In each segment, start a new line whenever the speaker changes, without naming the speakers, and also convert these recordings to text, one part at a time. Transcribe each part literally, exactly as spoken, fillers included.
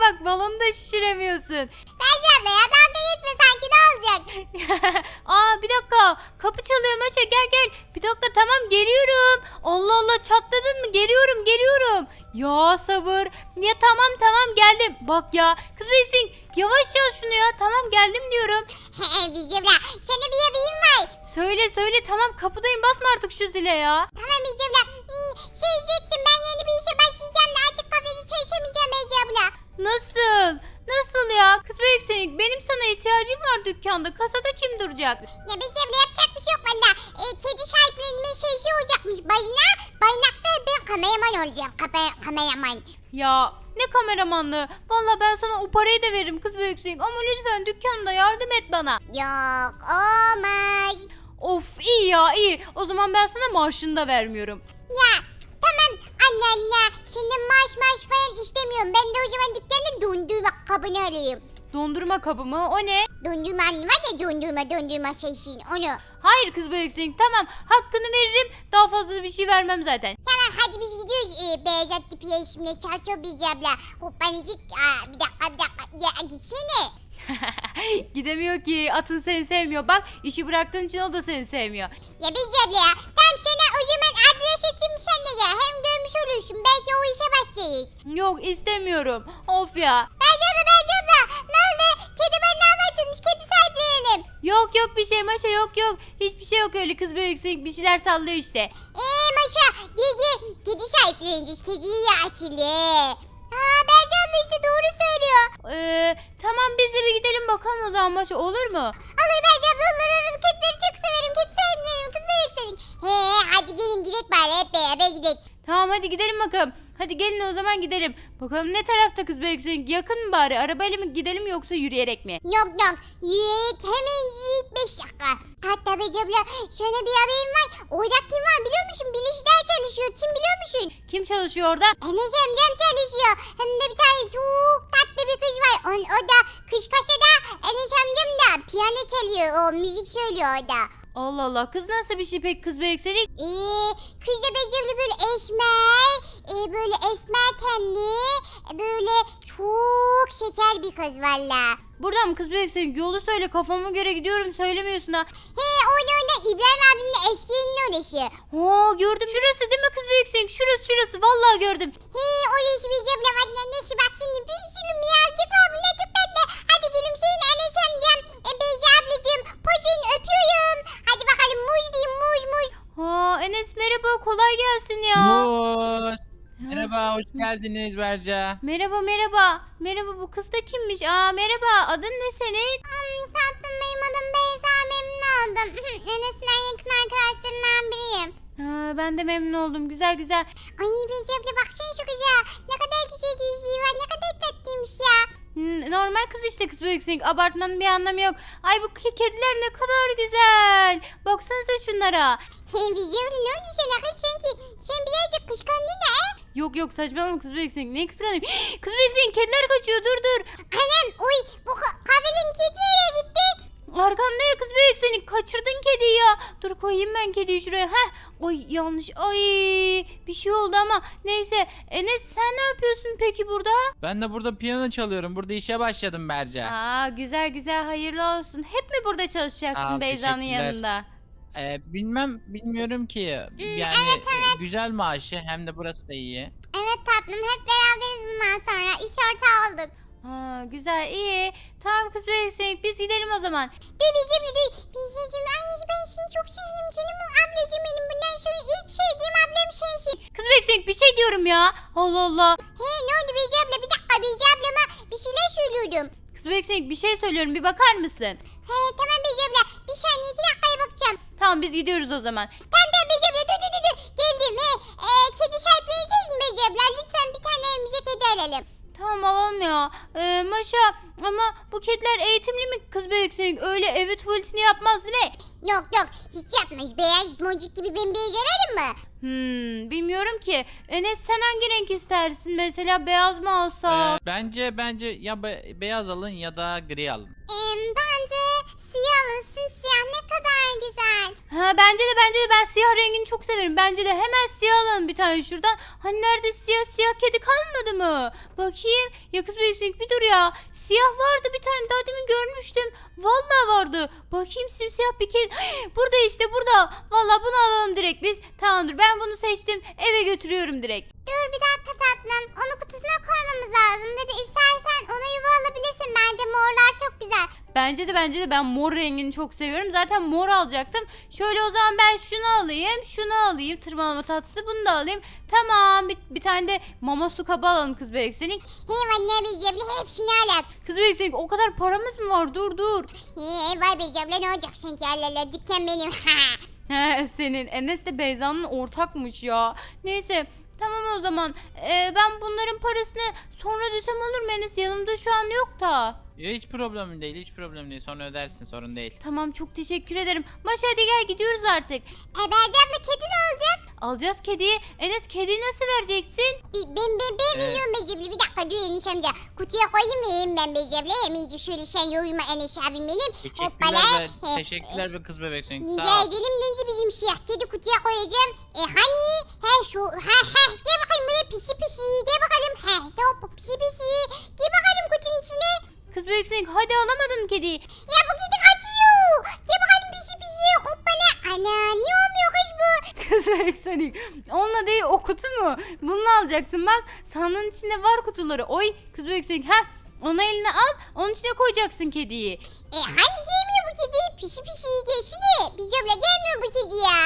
bak balonu da şişiremiyorsun.
Beyza abla ya dalga geçme sanki ne olacak?
Aa bir dakika kapı çalıyor Maşa gel gel. Bir dakika tamam geliyorum. Allah Allah çatladın mı? Geliyorum geliyorum. Ya sabır. Ya tamam tamam geldim. Bak ya kız büyüksün yavaş çal şunu ya. Tamam geldim diyorum.
Beyza abla sana bir haberim var.
Söyle söyle tamam kapıdayım basma artık şu zile ya.
Tamam Beyza abla. Hmm, şey diyecektim ben yeni bir işe başlayacağım da artık kafede çalışamayacağım Beyza abla.
Nasıl? Nasıl ya? Kız büyüksün benim sana ihtiyacım var dükkanda. Kasada kim duracak?
Ya Beyza abla yapacak bir şey yok valla. E, kedi sahiplenme şeysi olacakmış bayına. Bayınakta ben kameraman olacağım. Kapa kameraman.
Ya ne kameramanlığı? Valla ben sana o parayı da veririm kız büyüksün. Ama lütfen dükkanımda yardım et bana.
Yok olmaz.
Of iyi ya iyi. O zaman ben sana maaşını da vermiyorum.
Ya tamam anne anne. Senin maaş maaş falan istemiyorum. Ben de o zaman dükkanı dondurma kabını alayım.
Dondurma kabı mı? O ne?
Dondurma anne var ya dondurma dondurma şeysin onu.
Hayır kız büyüksün tamam. Hakkını veririm. Daha fazla bir şey vermem zaten.
Tamam hadi biz gidiyoruz. Ee, beyaz atlı piyeşimle çarço Beyza abla. Hoppanıcık. Aa, bir dakika bir dakika. Ya gitsene.
Gidemiyor ki. Atın seni sevmiyor. Bak işi bıraktığın için o da seni sevmiyor.
Ya Beyza abla ya. Tamam sana o zaman adres atayım sen de gel. Hem görmüş olursun. Belki o işe başlayız.
Yok istemiyorum. Of ya.
Beyza abla Beyza abla. Ne oldu? Kedi barınağı açılmış. Kedi sahiplenelim.
Yok yok bir şey Maşa yok yok. Hiçbir şey yok öyle kız büyüksün. Bir şeyler sallıyor işte.
Eee Maşa. Gel gel. Kedi sahipleneceğiz. Kediyi açılı. Aa Beyza abla işte doğru söylüyor.
Ee, tamam biz de bir gidelim bakalım o zaman Maşa olur mu?
Olur Beyza abla olur olur. Kedileri çok severim. Kedi sahiplenirim. Kız bebek senin. He hadi gelin gidelim bari hep beraber gidelim.
Tamam hadi gidelim bakalım. Hadi gelin o zaman gidelim. Bakalım ne tarafta kız büyüksün? Yakın mı bari? Arabayla mı gidelim yoksa yürüyerek mi?
Yok yok. Yiyek hemen yiyek beş dakika. Hatta Beyza abla şöyle bir haberim var. Orada kim var biliyor musun? Bilişler çalışıyor. Kim biliyor musun?
Kim çalışıyor orada?
Enes amcam çalışıyor. Hem de bir tane çok tatlı bir kız var. O, o da kış kasada Enes amcam da piyano çalıyor. O müzik söylüyor orada.
Allah Allah kız nasıl bir şey pek kız büyüksün?
Ee, kız da Beyza abla böyle esmer. E, böyle esmer tenli. E, böyle çok şeker bir kız valla.
Buradan mı kız büyüksün? Yolu söyle kafama göre gidiyorum söylemiyorsun ha.
He orada orada İbrahim abinin de eski yerine orası.
Oo gördüm. Şurası değil mi kız büyüksün? Şurası şurası vallahi gördüm.
He orası Beyza abla var. Nasıl bak şimdi bir sürü miyavcık var. Bunlar çok tatlı. Hadi gülümseyin Enes amcam. E, Beyza ablacığım. Poz verin öpüyorum. Hadi bakalım muz diyeyim muz muz.
Ha Enes merhaba kolay gelsin ya.
Muz.
Ha,
Merhaba, hoş geldiniz Berca.
Merhaba merhaba. Merhaba bu kız da kimmiş? Aa merhaba adın ne senin?
Hmm, tatlım benim adım Beyza memnun oldum. Enes'in en yakın arkadaşlarından biriyim.
Ha, ben de memnun oldum güzel güzel.
Ay Beyza abla baksana şu kıza. Ne kadar güzel yüzüğü var. Ne kadar tatlıymış ya.
Hmm, normal kız işte kız büyüksün. Abartmanın bir anlamı yok. Ay bu ke- kediler ne kadar güzel. Baksanıza şunlara.
Hey Beyza abla ne oldu sana kız sanki? Sen birazcık kıskandın da he?
Yok yok saçmalama kız büyüksün. Ne kıskanayım? Kız büyüksün kediler kaçıyor dur dur.
Anam uy bu ka- kahvenin kedi nereye gitti?
Arkanda ya kız büyüksün. Kaçırdın kediyi ya. Dur koyayım ben kediyi şuraya. Heh. Oy yanlış. Ay bir şey oldu ama. Neyse. Enes sen ne yapıyorsun peki burada?
Ben de burada piyano çalıyorum. Burada işe başladım Berca.
Aa güzel güzel hayırlı olsun. Hep mi burada çalışacaksın
Aa,
Beyza'nın
teşekkürler.
yanında?
Ee, bilmem, bilmiyorum ki. Yani e, güzel maaşı hem de burası da iyi.
Evet tatlım hep beraberiz bundan sonra. İş ortağı olduk.
Ha güzel iyi. Tamam kız büyüksün biz gidelim o zaman.
Bebeciğim de değil. Beyza'cığım anneciğim ben seni çok seviyorum. Canım ablacığım benim. Bundan sonra ilk sevdiğim ablam sensin.
Kız büyüksün bir şey diyorum ya. Allah Allah.
He ne oldu Beyza abla? Bir dakika Beyza ablama bir şeyler söylüyordum.
Kız büyüksün bir şey söylüyorum bir bakar mısın?
He tamam Beyza abla. Bir saniye iki dakikaya bakacağım.
Tamam biz gidiyoruz o zaman.
Tamam tamam Beyza abla dur dur dur. dur. Geldim he. E, kedi sahipleneceğiz mi Beyza abla? Lütfen bir tane evimize kedi alalım.
Tamam alalım ya. Ee, Maşa ama bu kediler eğitimli mi kız büyüksün? Öyle evi tuvaletini yapmaz değil mi?
Yok yok hiç yapmış. Beyaz boncuk gibi bembeyaz alalım mı?
Hmm, bilmiyorum ki. Enes sen hangi renk istersin? Mesela beyaz mı alsak?
Ee, bence bence ya be- beyaz alın ya da gri alın.
Ee, bence siyah alın, simsiyah ne kadar güzel.
Ha bence de bence de ben siyah rengini çok severim. Bence de hemen siyah alalım bir tane şuradan. Hani nerede siyah siyah kedi kalmadı mı? Bakayım. Ya kız büyüksün bir dur ya. Siyah vardı bir tane daha demin görmüştüm. Vallahi vardı. Bakayım simsiyah bir kedi. Burada işte burada. Vallahi bunu alalım direkt biz. Tamamdır ben bunu seçtim. Eve götürüyorum direkt.
Dur bir dakika tatlım. Onu kutusuna koymamız lazım. Ve de istersen ona yuva alabilirsin. Bence morlar çok güzel.
Bence de bence de ben mor rengini çok seviyorum. Zaten mor alacaktım. Şöyle o zaman ben şunu alayım. Şunu alayım. Tırmalama tatlısı bunu da alayım. Tamam bir, bir tane de mama su kabı alalım kız Beyüksenik.
Hey anne Becebli hepsini al.
Kız Beyüksenik o kadar paramız mı var? Dur dur.
Hey var Becebli ne olacak sanki Allah dükkan benim.
He senin Enes de Beyza'nın ortakmış ya. Neyse tamam o zaman. Ee, ben bunların parasını sonra ödesem olur mu Enes? Yanımda şu an yok da.
Ya hiç problem değil, hiç problem değil. Sonra ödersin, sorun değil.
Tamam çok teşekkür ederim. Maşa hadi gel gidiyoruz artık.
E Becebli kedi ne olacak?
Alacağız kediyi. Enes kediyi nasıl vereceksin?
Bir, ben ben ben
Evet.
veriyorum Becebli bir dakika dur Enes amca. Kutuya koyayım mıyım ben Becebli? Hemen şöyle sen yoyma Enes abim benim. Hoppala.
Teşekkürler be,
He,
teşekkürler be kız bebek senin.
Rica
Sağ ol.
ederim neydi bizim siyah kedi kutuya koyacağım. E hani? He şu ha ha gel bakalım buraya pisi pisi gel bakalım. He top pisi pisi gel bakalım kutunun içine.
Kız Beyüksenik hadi alamadın kediyi.
Ya bu kedi kaçıyor. Gel bakalım pisi pisi hoppala. Ana niye olmuyor kız bu?
Kız Beyüksenik onunla değil o kutu mu? Bunu alacaksın bak sandığın içinde var kutuları. Oy kız Beyüksenik ha onu eline al onun içine koyacaksın kediyi.
E hani gelmiyor bu kedi? Pisi pisi gelsene. Bizimle gelmiyor bu kedi ya.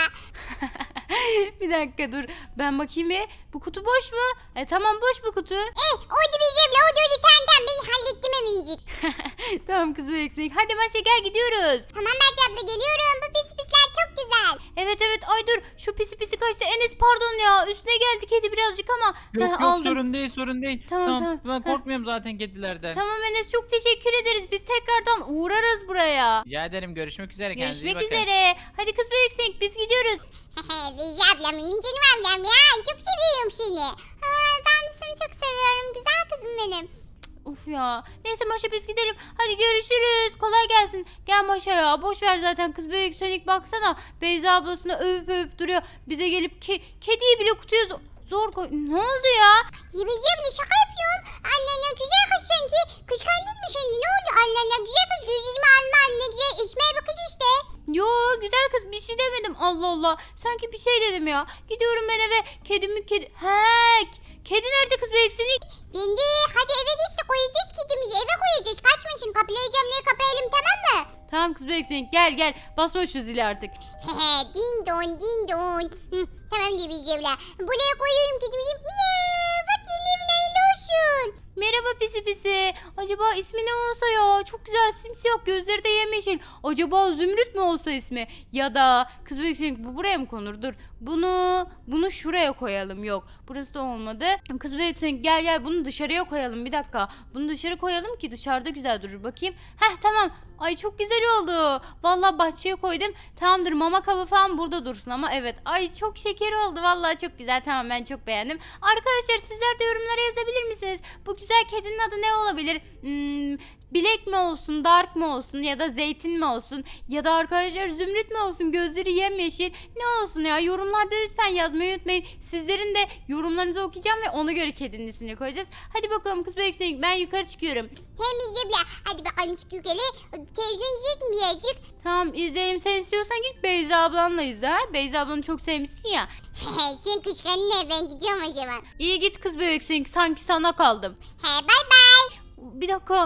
Bir dakika dur ben bakayım bir. Bu kutu boş mu? E tamam boş bu kutu.
Eh oydu bizimle oydu oydu tamam tamam ben hallettim emincik.
Tamam kız Beyüksenik hadi maşa gel gidiyoruz.
Tamam Mert abla geliyorum bu pis pisler çok güzel.
Evet evet ay dur şu pisi pisi kaçtı Enes pardon ya üstüne geldi kedi birazcık ama
Yok
Heh,
yok
aldım.
sorun değil, sorun değil.
Tamam,
Tamam,
tamam.
ben
Heh.
korkmuyorum zaten kedilerden.
Tamam Enes çok teşekkür ederiz biz tekrardan uğrarız buraya.
Rica ederim, görüşmek üzere. Kendinize iyi
Görüşmek
bakın.
üzere. Hadi kız Beyüksenik biz gidiyoruz.
Beyci ablam benim canım ablam ya çok seviyorum seni. Ha, ben de seni çok seviyorum güzel kızım benim.
Of ya. Neyse Maşa biz gidelim. Hadi görüşürüz. Kolay gelsin. Gel Maşa ya. Boş ver zaten kız Beyüksenik baksana. Beyza ablasını övüp övüp duruyor. Bize gelip ke kediyi bile kutuya zo- zor koy. Ne oldu ya?
Ya Beyci abla şaka yapıyorum. Annen ne güzel kız sanki. Kıskandın mı şimdi ne oldu? Annen ne güzel kız gözlerimi alma ne güzel esmer bakıcı işte.
Yo güzel kız bir şey demedim. Allah Allah. Sanki bir şey dedim ya. Gidiyorum ben eve. Kedimi kedi. He. Kedi nerede kız Beyüksenik?
Ben de hadi eve geçti koyacağız kedimizi eve koyacağız. Kaçmasın kapılayacağım ne kapayalım tamam mı?
Tamam kız Beyüksenik gel gel. Basma şu zili artık.
Hehe din don din don. Hı, tamam diye Beyci abla. Buraya koyuyorum kedimizi. Miyav bak yeni evin hayırlı olsun.
Merhaba pisi pisi. Acaba ismi ne olsa ya? Çok güzel simsiyah gözleri de yemyeşil. Acaba Zümrüt mü olsa ismi? Ya da kız büyük bu buraya mı konur? Dur. Bunu bunu şuraya koyalım. Yok. Burası da olmadı. Kız büyük gel gel bunu dışarıya koyalım. Bir dakika. Bunu dışarı koyalım ki dışarıda güzel durur. Bakayım. Heh tamam. Ay çok güzel oldu. Vallahi bahçeye koydum. Tamamdır mama kabı falan burada dursun ama evet. Ay çok şeker oldu. Vallahi çok güzel. Tamam ben çok beğendim. Arkadaşlar sizler de yorumlara yazabilir misiniz? Bu güzel kedinin adı ne olabilir? Hmm, Bilek mi olsun, dark mı olsun ya da zeytin mi olsun ya da arkadaşlar zümrüt mü olsun, gözleri yemyeşil ne olsun ya, yorumlarda lütfen yazmayı unutmayın. Sizlerin de yorumlarınızı okuyacağım ve ona göre kedinin ismini koyacağız. Hadi bakalım kız büyük ben yukarı çıkıyorum.
Hem Beyci abla hadi bakalım çık yukarı. Televizyon izleyecek mi birazcık?
Tamam izleyelim, sen istiyorsan git Beyza ablanla izle. ha? Beyza ablanı çok sevmişsin ya.
Sen kıskandın ne ben gidiyorum o zaman.
İyi git kız büyük sanki sana kaldım.
He bay bay.
Bir dakika.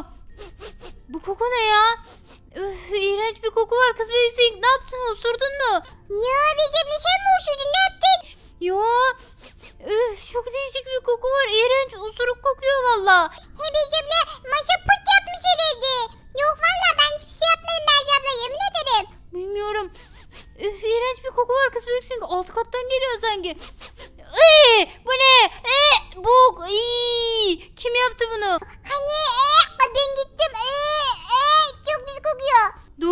Bu koku ne ya? Üf, iğrenç bir koku var kız büyük ne yaptın, osurdun mu?
Ya Beyci abla sen mi uçurdun ne yaptın?
Yo. Üf, çok değişik bir koku var. İğrenç, osuruk kokuyor valla.
He Beyci abla maşa pırt yapmış herhalde. Yok valla ben hiçbir şey yapmadım Beyci abla yemin ederim.
Bilmiyorum. Üf, iğrenç bir koku var kız büyüksün. Alt kattan geliyor sanki. Iy, bu ne? E, bu iy, kim yaptı bunu?
Hani ee, ben gittim ee, ee, çok pis kokuyor.
Dur dur sen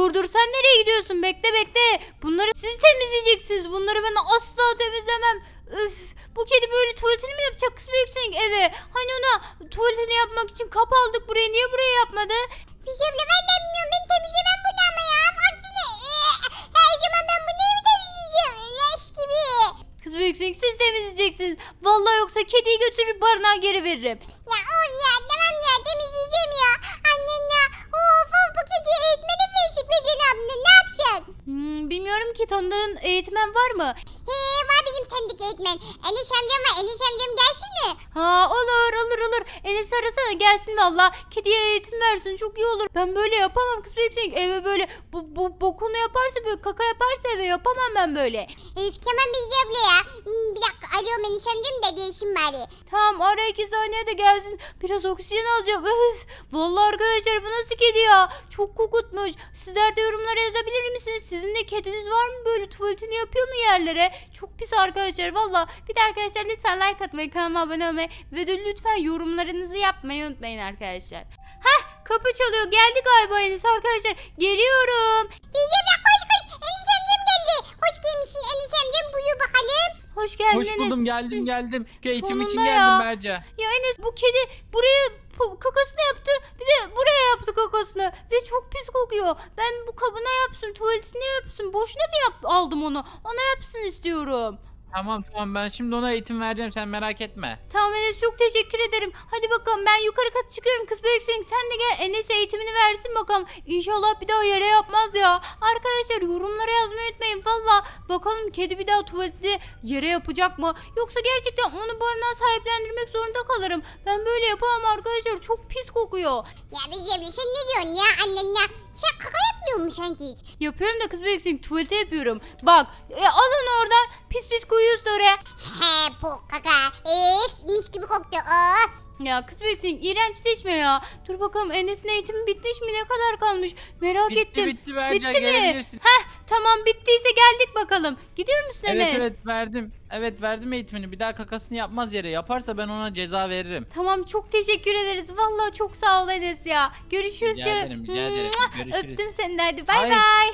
sen nereye gidiyorsun? Bekle bekle. Bunları siz temizleyeceksiniz. Bunları ben asla temizlemem. Öf. Bu kedi böyle tuvaletini mi yapacak kız büyüksün eve? Hani ona tuvaletini yapmak için kap aldık buraya. Niye buraya yapmadı?
Beyci abla vallahi bilmiyorum. Ben temizlemem bunu ama ya. Baksana. Ee, her zaman ben bunu evi temizleyeceğim. Leş gibi.
Kız büyüksün siz temizleyeceksiniz. Vallahi yoksa kediyi götürüp barınağa geri veririm.
Ya on ya tamam ya temizleyeceğim ya. Annen ya. Of of bu kediye eğitmenim verecek be Cenab abla. Ne yapacaksın?
Hmm, bilmiyorum ki tanıdığın eğitmen var mı?
He var bizim tanıdık eğitmen. Enes amcam var. Enes amcam gelsin mi?
Ha olur olur olur. Enes arasana gelsin valla. Kediye eğitim versin çok iyi olur. Ben böyle yapamam kız büyüksün. Eve böyle bu, bu bokunu yaparsa böyle kaka yaparsa eve yapamam ben böyle.
Üf tamam Beyci abla ya. Hmm, bir dakika arıyorum Enes amcam da gelsin bari.
Tamam ara iki saniye de gelsin. Biraz oksijen alacağım. Öf. Vallahi arkadaşlar bu nasıl kedi ya? Çok kokutmuş. Sizler de yorumlara yazabilir misiniz? Sizin de kediniz var mı böyle tuvaletini yapıyor mu yerlere? Çok pis arkadaşlar valla. Bir de arkadaşlar lütfen like atmayı, kanalıma abone olmayı ve de lütfen yorumlarınızı yapmayı unutmayın arkadaşlar. Hah kapı çalıyor. Geldi galiba Enes arkadaşlar. Geliyorum.
Beyci abla koş koş. Enes amcam geldi. Hoş gelmişsin Enes amcam. Buyur bakalım.
Hoş geldin
Hoş
Enes.
buldum geldim geldim. Eğitim için
Sonunda
geldim
ya.
Berca.
Ya Enes bu kedi buraya pu- kakasını yaptı. Bir de buraya yaptı kakasını. Ve çok pis kokuyor. Ben bu kabına yapsın, tuvaletini yapsın. Boşuna mı yap aldım onu? Ona yapsın istiyorum.
Tamam tamam ben şimdi ona eğitim vereceğim sen merak etme.
Tamam Enes çok teşekkür ederim. Hadi bakalım ben yukarı kat çıkıyorum. Kız büyüksün sen de gel Enes eğitimini versin bakalım. İnşallah bir daha yere yapmaz ya. Arkadaşlar yorumlara yazmayı unutmayın. Valla bakalım kedi bir daha tuvaleti yere yapacak mı? Yoksa gerçekten onu barınağa sahiplendirmek zorunda kalırım. Ben böyle yapamam arkadaşlar. Çok pis kokuyor.
Ya Beyci abla sen ne diyorsun ya annen ya? Sen kaka yapmıyor musun sanki hiç?
Yapıyorum da kız büyüksün tuvalete yapıyorum. Bak e, al onu oradan. Pis pis koyuyorsun oraya.
He bu kaka. Ef mis gibi koktu. Oh.
Ya kız büyüksün iğrençleşme ya. Dur bakalım Enes'in eğitimi bitmiş mi? Ne kadar kalmış? Merak
Bitti
ettim.
bitti Berca
Bitti mi?
gelebilirsin.
Heh tamam bittiyse geldik bakalım. Gidiyor musun
Evet
Enes?
evet verdim. Evet verdim eğitimini. Bir daha kakasını yapmaz yere. Yaparsa ben ona ceza veririm.
Tamam çok teşekkür ederiz. Vallahi çok sağ ol Enes ya. Görüşürüz.
Rica ederim rica ederim.
Mua!
Görüşürüz.
Öptüm seni de hadi bay
Hayır.
bay.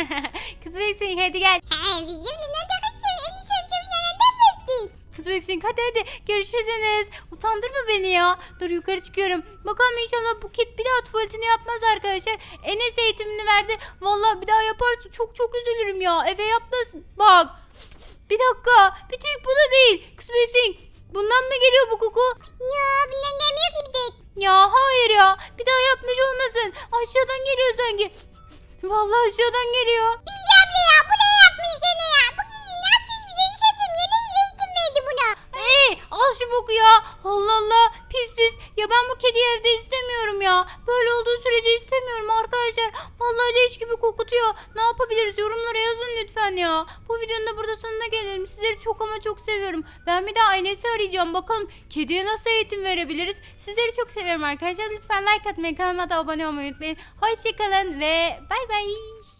Kız büyüksün hadi gel.
He Beyci abla ne takasın? Enes amcamın yanından mı ettin?
Kız büyüksün hadi hadi. Görüşürüz Enes. Utandırma beni ya. Dur yukarı çıkıyorum. Bakalım inşallah bu kit bir daha tuvaletini yapmaz arkadaşlar. Enes eğitimini verdi. Vallahi bir daha yaparsa çok çok üzülürüm ya. Eve yapmasın. Bak. Bir dakika. Bir tek bu da değil. Kız büyüksün. Bundan mı geliyor bu koku?
Ya bundan gelmiyor ki bir tek.
Ya hayır ya. Bir daha yapmış olmasın. Aşağıdan geliyor sanki. Vallahi aşağıdan geliyor.
Beyci abla ya bu ne yapmış gene ya? Bu kedi ne yapacak bir şey? Enes amcam yeni eğitim verdi buna.
Hey, al şu boku ya. Allah Allah. Pis pis. Ya ben bu kediyi evde istemiyorum ya. Böyle olduğu sürece istemiyorum arkadaşlar. Vallahi leş gibi kokutuyor. Ne yapabiliriz? Yorumlara yazın lütfen ya. Bu videonun da burada sonuna gelelim. Sizleri çok ama çok seviyorum. Ben bir daha Enes'i arayacağım. Bakalım kediye nasıl eğitim verebiliriz? Sizleri çok seviyorum arkadaşlar. Lütfen like atmayı, kanalıma da abone olmayı unutmayın. Hoşçakalın ve bay bay.